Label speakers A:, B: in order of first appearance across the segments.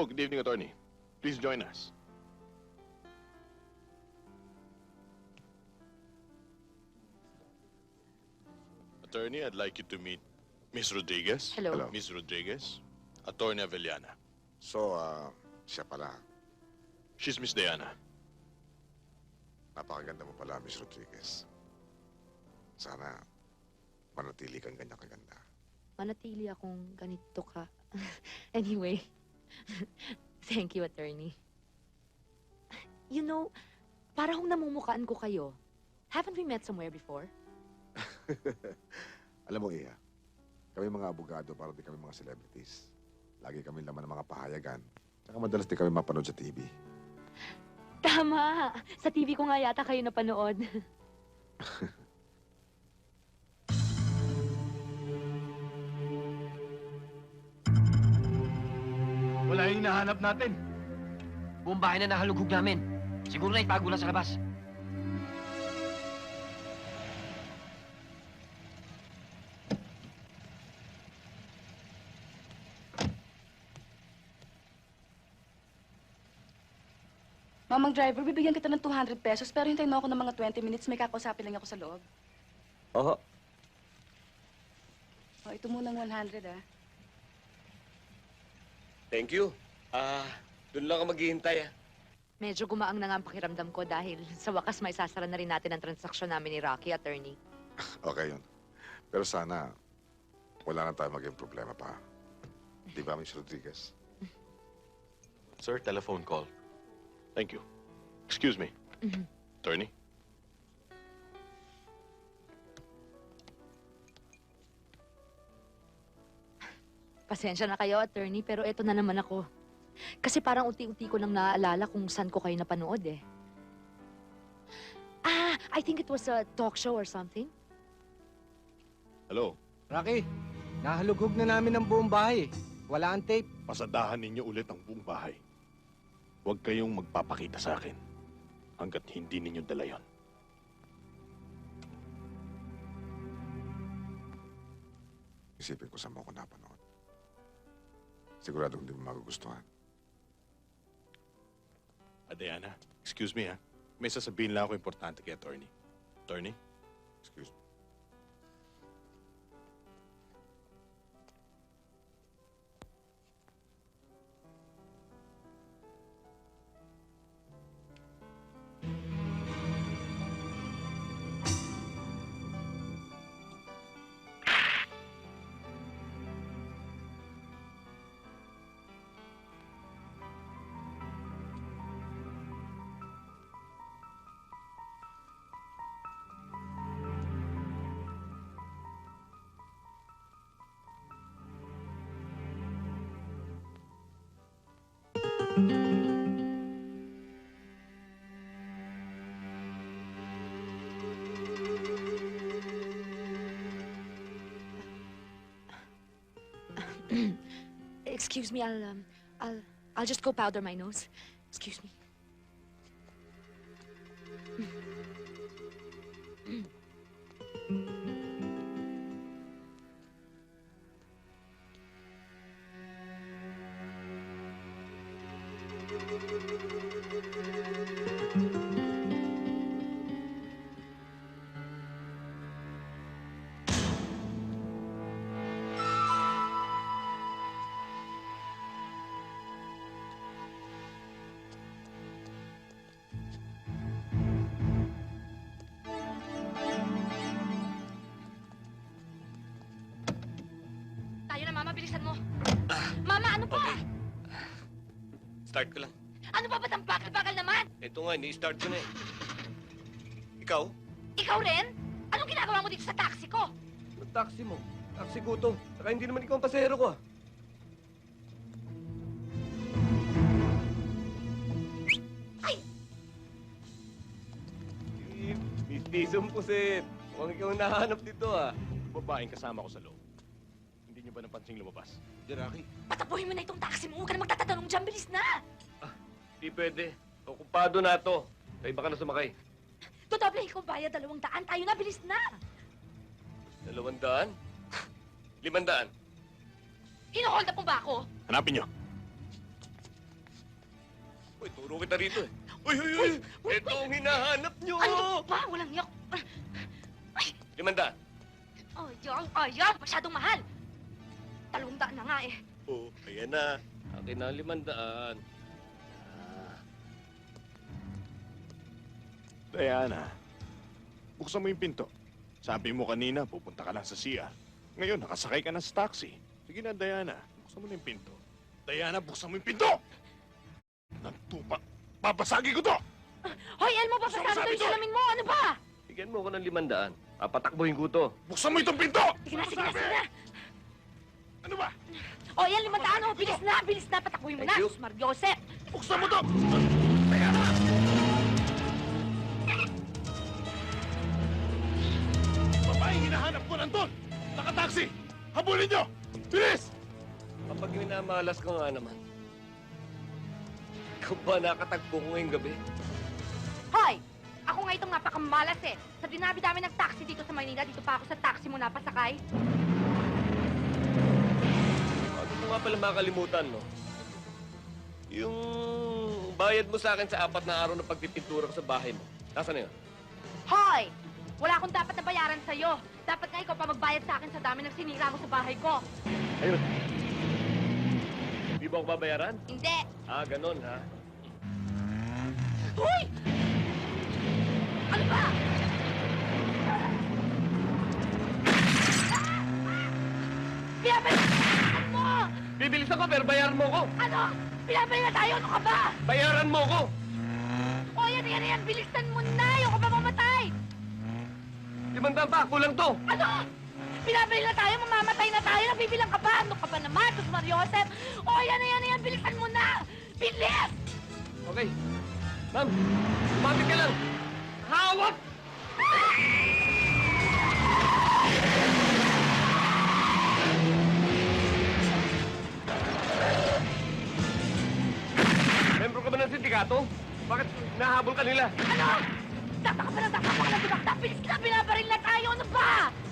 A: Oh, good evening, attorney. Please join us. Attorney, I'd like you to meet Miss Rodriguez.
B: Hello.
C: Hello.
A: Miss Rodriguez, Attorney Avellana.
C: So, siya pala.
A: She's Miss Diana.
C: Napakaganda mo pala, Miss Rodriguez. Sana manatili kang ganyan kaganda.
B: Manatili akong ganito ka. Anyway, thank you, attorney. You know, parang namumukaan ko kayo. Haven't we met somewhere before?
C: Alam mo, Iha, kami mga abogado para di kami mga celebrities. Lagi kami laman ng mga pahayagan. Tsaka madalas di kami mapanood sa TV.
B: Tama! Sa TV ko nga yata kayo napanood.
D: Wala yung hinahanap natin.
E: Buong bahay na nahalughog namin. Siguro na itago lang sa labas.
F: Mamang driver, bibigyan kita ng 200 pesos pero hintayin mo ako ng mga 20 minutes. May kakausapin lang ako sa loob.
E: Oo.
F: O, ito munang 100, ah.
G: Thank you. Doon lang ako maghihintay,
B: Medyo gumaang na nga ang pakiramdam ko dahil sa wakas may sasara na rin natin ang transaksyon namin ni Rocky, attorney.
C: Okay yun. Pero sana, wala na tayo maging problema pa. Di ba, Miss Rodriguez?
A: Sir, telephone call. Thank you. Excuse me. Attorney?
B: Pasensya na kayo, attorney, pero eto na naman ako. Kasi parang unti-unti ko nang naaalala kung saan ko kayo napanood eh. I think it was a talk show or something.
A: Hello?
D: Rocky, nahalughog na namin ang buong bahay. Wala ang tape.
A: Pasadahan ninyo ulit ang buong bahay. Huwag kayong magpapakita sa akin hanggat hindi ninyo dala yon.
C: Isipin ko saan mo ako napanood. Siguradong hindi mo magugustuhan.
A: Diana, excuse me ha. May sasabihin lang ako importante kay attorney. Attorney?
C: Excuse me.
B: Excuse me, I'll just go powder my nose. Excuse me. Tayo na, Mama. Bilisan mo. Mama, ano pa?
G: Okay. Start ko lang.
B: Ano pa ba't ang bakal-bakal naman?
G: Ito nga, ni-start ko na eh. Ikaw?
B: Ikaw rin? Anong ginagawa mo dito sa taxi ko?
G: Ang taxi mo. Taxi ko to. Saka hindi naman ikaw ang pasahero ko
B: Ay!
G: Mistisong pusit. Mukhang ikaw ang nahanap dito
A: Babaeng kasama ko sa loob. Hindi niyo ba napansing lumabas?
G: Rocky.
B: Patapuhin mo na itong taxi mo. Huwag ka na magtatanong dyan. Bilis na!
G: Di pwede. Okupado na to. Sa iba ka na sumakay.
B: Dodoble ko bayad 200. Tayo na, bilis na!
G: 200? 500?
B: Hino-hold up mo ba ako?
A: Hanapin niyo.
G: Uy, turo kita rito eh. Uy, uy, uy! Ito ang hinahanap nyo!
B: Ano ba? Walang yak.
G: 500.
B: Ayan, masyadong mahal. 200 na nga eh.
G: Oh, ayan na. Akin na ang 500.
A: Diana, buksan mo yung pinto. Sabi mo kanina, pupunta ka lang sa CR. Ngayon, nakasakay ka na sa taxi. Sige na, Diana. Buksan mo na yung pinto. Diana, buksan mo yung pinto! Nantupa. Babasagi ko to!
B: Hoy, Elmo,
A: Gusto
B: papasama
A: mo sabi
B: to yung
A: to?
B: salamin mo. Ano ba?
G: Bigyan mo ko ng 500. Papatakbuhin ko to.
A: Buksan mo itong pinto!
B: Sige na, sige na, sige na.
A: Ano ba?
B: O, yan, 500. Oh. Bilis na. Patakbuhin mo na.
G: Thank you.
B: Smart Joseph.
A: Buksan mo to! Diana! Babae, hinahanap ko nandun! Naka-taxi! Habulin nyo! Bilis!
G: Kapag minamalas ko nga naman. Ikaw ba nakatagpo ko ngayong gabi?
B: Hoy! Ako nga itong napakamalas eh. Sa dinabi-dami ng taxi dito sa Maynila, dito pa ako sa taxi mo napasakay.
G: Bago mo nga pala makalimutan, no? Yung bayad mo sa akin sa 4 na araw na pagpipintura ko sa bahay mo. Nasaan na yun?
B: Hoy! Wala akong dapat na bayaran sa'yo. Dapat nga ikaw pa magbayad sa akin sa dami ng sinira mo sa bahay ko.
G: Ayun. Di ba ako babayaran?
B: Hindi.
G: Ah, ganun, ha?
B: Hoy! Ano ba? Pinabayaan mo!
G: Bibilis ako, pero bayaran mo ko!
B: Ano? Pinabayaan na tayo? Ano ka ba?
G: Bayaran mo ko!
B: O, yan. Bilisan mo na! Ayoko pa mamatay!
G: 500 pa, kulang to!
B: Ano? Pinabayaan na tayo? Mamamatay na tayo? Nabibilang ka ba? Ano ka ba naman? Tos Mariosep? O, yan. Bilisan mo na! Bilis!
G: Okay. Ma'am, umapit ka lang! Hawak! Membro ka ba ng sindikato? Bakit nahabol ka nila?
B: Ano? Tataka pa ng dumakta! Bilis na! Binabaril na tayo! Ano ba?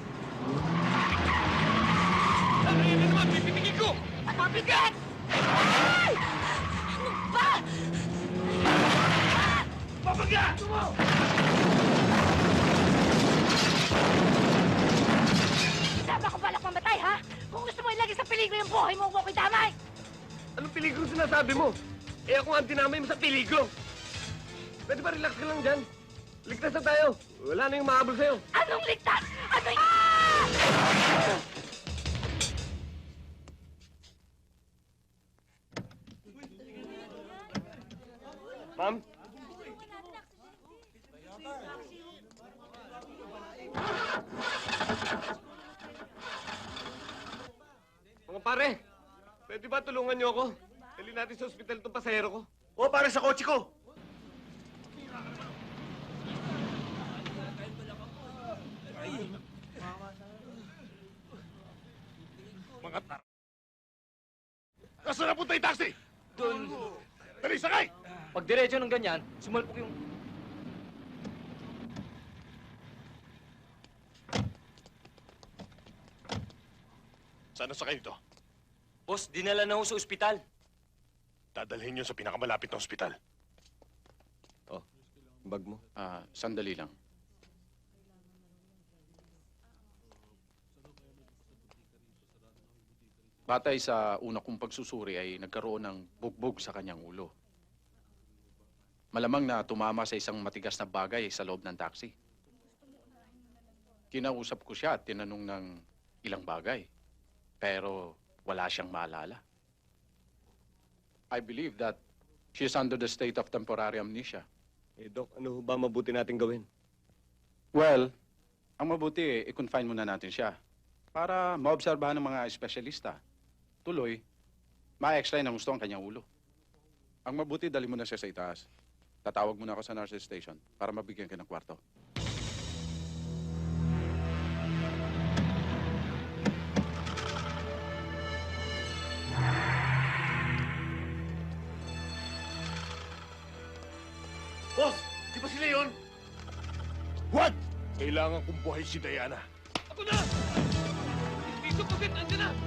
G: Ano yan na naman? Pipipigil ko!
B: Ano bigat? Ay! Ano ba?
G: Papaga!
B: Sama ko balak mamatay, ha? Kung gusto mo ilagay sa peligro yung buhay mo, huwag ko damay!
G: Anong peligro sinasabi mo? Eh ako ang dinamay mo sa peligro. Pwede ba relax ka lang dyan? Ligtas na tayo. Wala na yung mahabol sa'yo.
B: Anong ligtas? Ano y... Ah!
G: Ma'am? Mga pare, pwede ba tulungan niyo ako? Dali natin sa ospital itong pasahero ko.
H: O, para sa kotse ko.
A: Mga tar... Nasaan na punta yung taxi?
D: Doon,
A: Dali, sakay!
D: pag diretso ng ganyan, sumalpok yung...
A: Saan na sakay nito?
H: Boss, dinala na ho sa ospital.
A: Dadalhin nyo sa pinakamalapit na ospital.
G: Bag mo.
I: Sandali lang. Batay sa una kong pagsusuri ay nagkaroon ng bugbog sa kanyang ulo. Malamang na tumama sa isang matigas na bagay sa loob ng taxi. Kinausap ko siya at tinanong ng ilang bagay. Pero wala siyang maalala. I believe that she is under the state of temporary amnesia.
G: Eh, Doc, ano ba mabuti natin gawin?
I: Well, ang mabuti, i-confine muna natin siya para maobserbahan ng mga espesyalista. Tuloy, ma-extray ng gusto ang kanyang ulo. Ang mabuti, dali mo na siya sa itaas. Tatawag muna ako sa nurse's station para mabigyan ka ng kwarto.
H: Boss, di ba sila yun?
A: What? Kailangan kong buhay si Diana.
G: Ako na! Piso po din, andyan na!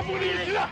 A: Habulin niyo sila!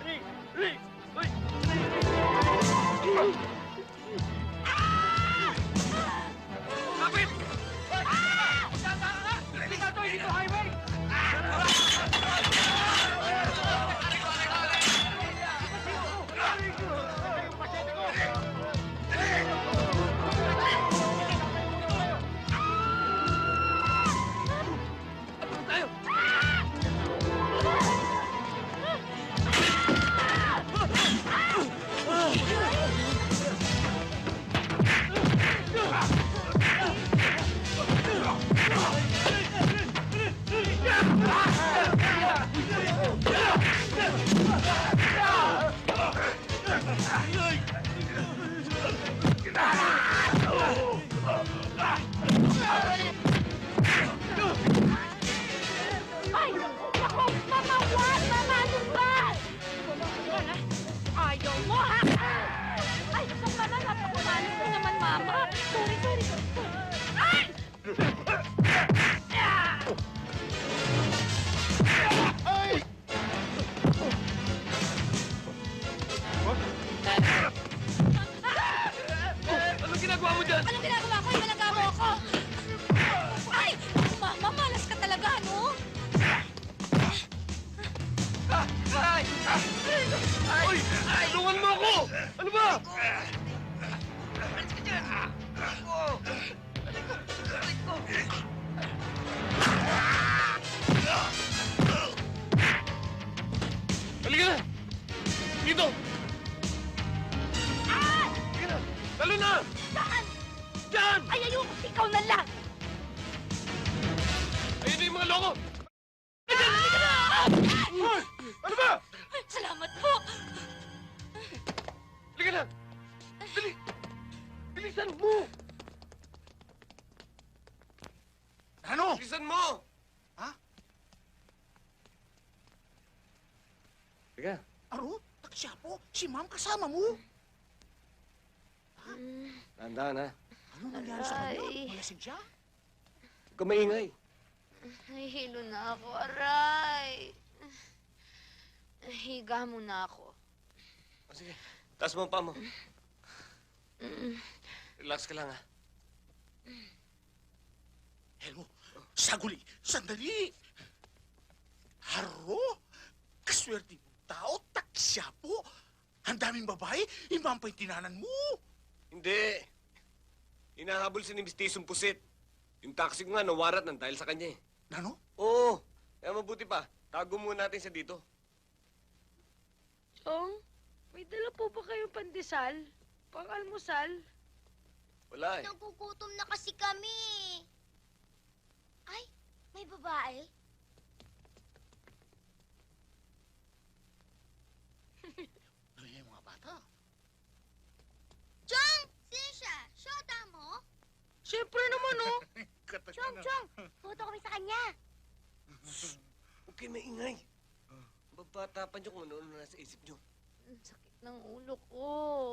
B: Ay! Ako! Mama, wag! Mama, ano ba? Ayaw mo, ha? Ay, gusto ko naman. Napakumalas mo naman, Mama. Sorry, sorry. Ay!
G: Anong ginagawa mo dyan?
B: Anong ginagawa ko? Ibalagay mo ako! Ay! Mama, malas ka talaga, no?
G: Uy! Tulungan mo ako! Ano ba? Halika na! Dito! Halika na! Talo na!
B: Saan?
G: Diyan!
B: Ay, ayoko! Ikaw na lang!
G: Ayun na yung mga loko! Ano ba?
B: Salamat po!
G: Halika na! Dali! Bilisan mo!
H: Ano?
G: Bilisan mo!
H: Ha?
G: Halika.
H: Aro? Taksya po? Si ma'am kasama mo?
G: Tandaan ha.
H: Ano nangyari sa kanya?
B: Aray.
H: Malasing siya?
G: Huwag ka maingay.
B: Nahihilo na ako, aray. Higa muna ako.
G: O sige, taas mo ang paa mo. Relax ka lang ha.
H: Helmo, saguli, sandali! Haro? Kaswerte mo tao, taksya po! Ang daming babae, imam pa yung tinanan mo!
G: Hindi. Hinahabol si ni Mistisong Pusit. Yung taxi ko nga nawarat ng dahil sa kanya eh.
H: Nano?
G: Oo. Kaya mabuti pa, tago muna natin siya dito.
J: Chong, may dala po ba kayong pandesal? Pang-almusal?
G: Wala eh.
K: Nagugutom na kasi kami. Ay, may babae?
H: Ano yung mga bata?
K: Chong! Sino siya? Shota mo?
J: Siyempre naman, oh!
K: Chong, Chong! Puto kami sa kanya.
G: Huwag kayo maingay. Babatapan niyo kung ano-ano nasa isip niyo.
B: Ang sakit ng ulo ko.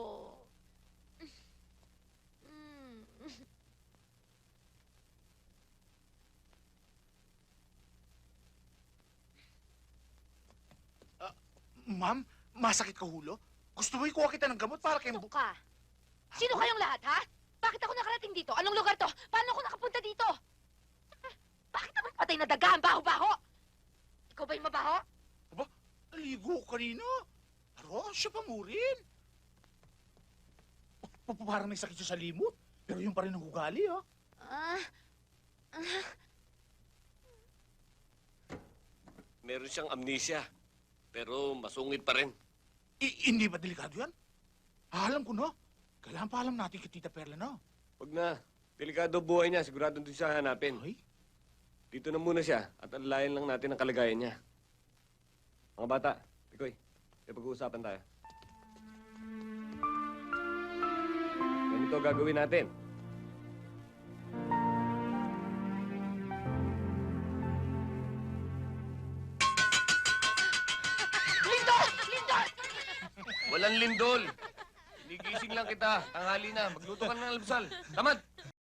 H: Ma'am, masakit ka hulo? Gusto mo ikuha kita ng gamot para kay...
B: Ano ka? Sino kayong lahat, ha? Bakit ako nakarating dito? Anong lugar to? Paano ako nakapunta dito? Bakit ako patay na daga? Ang baho-baho! Ikaw ba yung mabaho?
H: Aba, aligo ko kanina. Aro, siya pa mo rin. Parang may sakit siya sa limot. Pero yun pa rin ang ugali, ha?
G: Meron siyang amnesia. Pero masungit pa rin.
H: Hindi ba delikado yan? Alam ko na. Kailangan pa alam natin kay Tita Perla na.
G: Huwag na. Delikado buhay niya. Sigurado doon siya hanapin.
H: Ay,
G: Dito na muna siya at alalayan lang natin ang kalagayan niya. Mga bata, Pikoy, may pag-uusapan tayo. Ganito gagawin natin.
B: Lindol! Lindol!
G: Walang lindol. Inigising lang kita. Tanghali na. Magluto ka na ng almusal. Tamad!